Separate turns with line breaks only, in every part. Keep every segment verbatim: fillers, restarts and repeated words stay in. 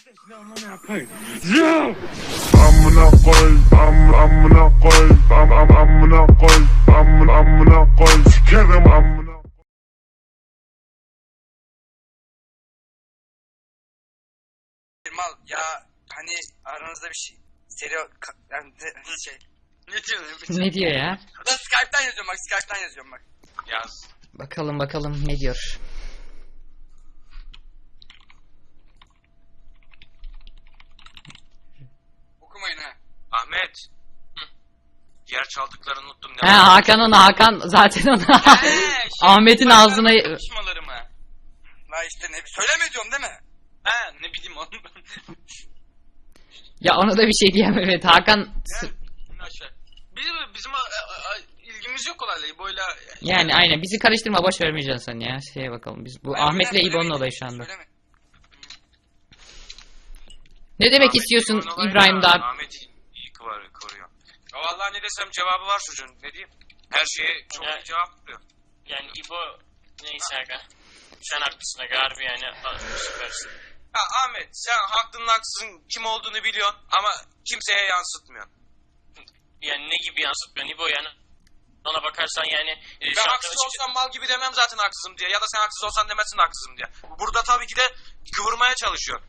Amına koy. Amına koy. Am amına koy. Am am amına koy. Am amına koy. Sikerim amına.
Mal ya hani aranızda bir şey stereo yani şey ne diyorsun?
Ne diyor ya?
Ben Skype'tan yazıyorum bak Skype'tan yazıyorum bak.
Yaz.
Bakalım bakalım ne diyor.
Okumayın ha.
Ahmet. Hı. Diğer çaldıklarını unuttum.
He Hakan ona Hakan zaten ona.
He, şey,
Ahmet'in
ben-
ağzına
ben konuşmalarımı.
La işte ne söyleme diyorum değil mi?
He ne bileyim onu.
ya ona da bir şey diyemem evet Hakan s-
Aşağı. Bizim, bizim a, a, a, ilgimiz yok olayla İbo'yla.
yani aynen bizi karıştırma boş vermeyeceksin sen ya şeye bakalım biz bu
Ben
Ahmet'le
öyle
İbo'nun
söylemedim,
olayı şu anda.
söyleme.
Ne demek
Ahmet,
istiyorsun
İbo'nun olayı
İbrahim
da
daha?
Ahmet iyi kıvar- koruyor. Ya vallahi ne desem cevabı var çocuğun. Ne diyeyim? Her şeye çok
Ya-
iyi cevap veriyor.
Yani İbo neyse aga. Sen haklısın aga harbi yani a- süpersin.
Ya Ahmet sen haklının haksızın kim olduğunu biliyorsun ama kimseye yansıtmıyorsun.
Yani ne gibi yansıtmıyorsun İbo yani. Ona bakarsan yani. E,
Ben
şarkı
haksız
açık-
olsam mal gibi demem zaten haksızım diye. Ya da sen haksız olsan demezsin haksızım diye. Burada tabii ki de kıvırmaya çalışıyor.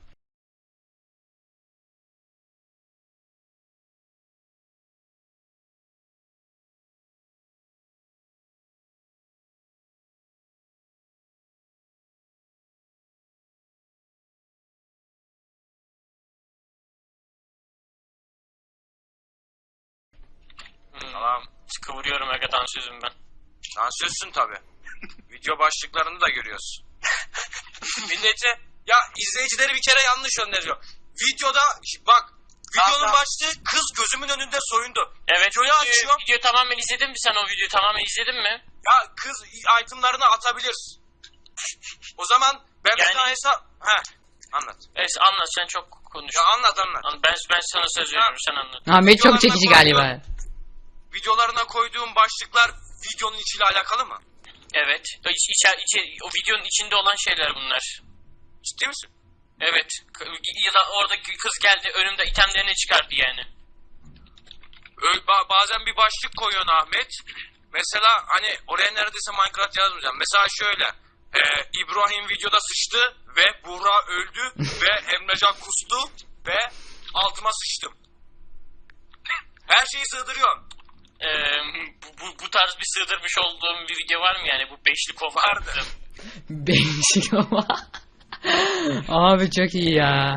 Hmm,
Tamam.
Kıvırıyorum aga dansözüm ben.
Dansözsün tabii. Video başlıklarını da görüyoruz. Millete ya izleyicileri bir kere yanlış öneriyor. Videoda bak videonun
Tamam.
başlığı kız gözümün önünde soyundu.
Evet
Videoyu
videoyu,
açıyor.
videoyu tamamen izledin mi sen o videoyu tamamen izledin mi?
Ya kız itemlarını atabilir. O zaman ben
Yani-
bir tane hesap... Heh, anlat.
Evet anlat sen çok konuş.
Ya anlat anlat.
An- Ben, ben sana söz veriyorum sen anlat.
Ahmet çok
Videolarına
çekici
koyduğum-
galiba.
Videolarına koyduğum başlıklar videonun içiyle alakalı mı?
Evet. O, iç, içe- içe- o videonun içinde olan şeyler bunlar.
Ciddi misin?
Evet. K- Ya da oradaki kız geldi önümde itemlerini çıkardı yani.
Ö- ba- bazen bir başlık koyuyorsun Ahmet. Mesela hani oraya neredeyse Minecraft yazmayacağım. Mesela şöyle. E, İbrahim videoda sıçtı ve Buğra öldü ve Emrecan kustu ve altıma sıçtım. Her şeyi sığdırıyorsun.
Ee, bu, bu, bu tarz bir sığdırmış olduğum bir video var mı yani bu beşli kov
Vardı.
Değişik ama. Abi çok iyi ya.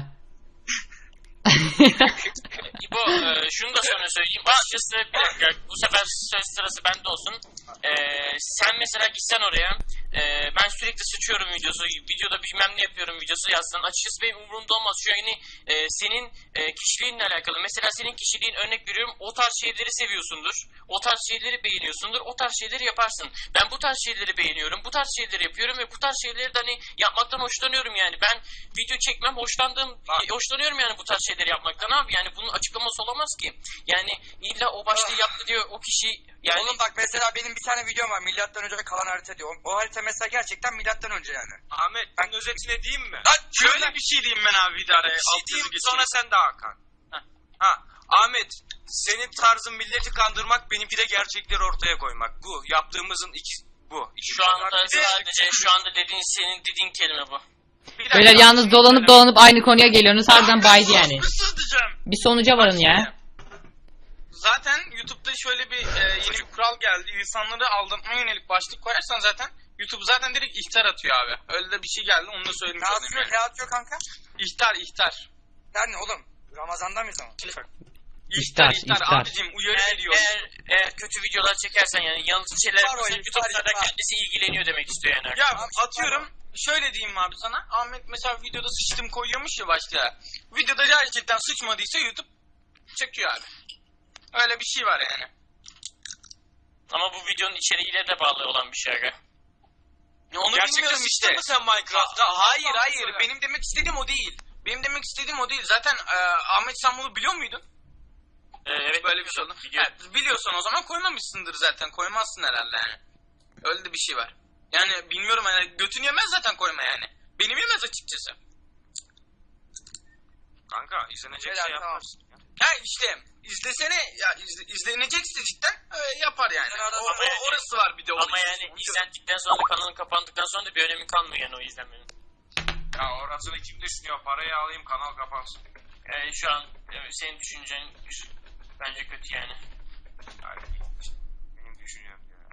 İbo e, şunu da sana söyleyeyim açıkçası bir dakika bu sefer söz sırası bende olsun. E, sen mesela gitsen oraya e, ben sürekli sıçıyorum videosu videoda bilmem ne yapıyorum videosu yazsan açıkçası benim umurumda olmaz şu yani e, senin e, kişiliğinle alakalı mesela senin kişiliğin örnek veriyorum o tarz şeyleri seviyorsundur o tarz şeyleri beğeniyorsundur o tarz şeyleri yaparsın ben bu tarz şeyleri beğeniyorum bu tarz şeyleri yapıyorum ve bu tarz şeyleri de hani yapmaktan hoşlanıyorum yani ben video çekmem hoşlandığım hoşlanıyorum yani bu tarz şeyleri yapmaktan abi yani bunun açıklaması olamaz ki yani illa o başlığı yaptı diyor o kişi yani
Oğlum bak mesela benim bir tane videom var milattan önce kalan harita diyor. O, o harita mesela gerçekten milattan önce yani.
Ahmet ben özetine diyeyim mi?
Lan
Şöyle bir şey diyeyim ben abi bir daha. Bir şey diyeyim sonra sen de Hakan. Ha Ahmet senin tarzın milleti kandırmak benimki de gerçekleri ortaya koymak. Bu yaptığımızın iki bu. İki
şu anda
Bir de-
sadece şu anda dediğin senin dediğin kelime bu.
bir dakika.
Böyle yalnız dolanıp dolanıp aynı konuya geliyorsunuz harbiden baydı yani.
Nasıl diyeceğim?
Bir sonuca varın ya.
Zaten YouTube'da şöyle bir e, yeni bir kural geldi. İnsanları aldatmaya yönelik başlık koyarsan zaten YouTube zaten direkt ihtar atıyor abi. Öyle de bir şey geldi onu da söylemiş
Ne
olayım
atıyor,
yani.
ne atıyor kanka?
İhtar ihtar.
Der ne oğlum? Ramazan'da mıyız ama?
İhtar
İhtar,
ihtar.
ihtar.
Abicim uyarı
Eğer,
veriyor.
eğer, eğer kötü videolar çekersen yani yanlış şeyler
İhtar o,
yaparsan
ihtar,
YouTube sana
ihtar.
kendisi ilgileniyor demek istiyor yani.
Ya
Tamam,
atıyorum şöyle diyeyim abi sana. Ahmet mesela videoda sıçtım koyuyormuş ya başlığa. Videoda gerçekten sıçmadıysa YouTube çekiyor abi. Öyle bir şey var yani.
Ama bu videonun içeriğiyle de bağlı olan bir şey aga.
Ya onu
Gerçekten
bilmiyorum
sıçtın
işte.
mı sen Minecraft'ta?
Hayır
Allah
hayır
Allah.
benim demek istediğim o değil. Benim demek istediğim o değil. Zaten e, Ahmet sen bunu biliyor muydun?
Ee, evet
Böyle bir şey oldu.
Biliyorum.
Ha, biliyorsan o zaman koymamışsındır zaten. Koymazsın herhalde yani. Öyle de bir şey var. Yani bilmiyorum hani götün yemez zaten koyma yani. Benim yemez açıkçası.
kanka. İzlenecek
Beyler,
şey
tamam.
yaparsın. Ya.
Ha işte izlesene ya izle, izlenecekse cidden e, yapar yani.
Ben arada-
O, o- orası var bir de. o
Ama
işin.
yani izlendikten sonra da kanalın kapandıktan sonra da bir önemi kalmıyor yani o izlenmenin.
Ya orasını kim düşünüyor? Parayı alayım kanal kapansın.
Yani şu an e, senin düşüncen bence kötü yani.
Yani benim düşüncem yani.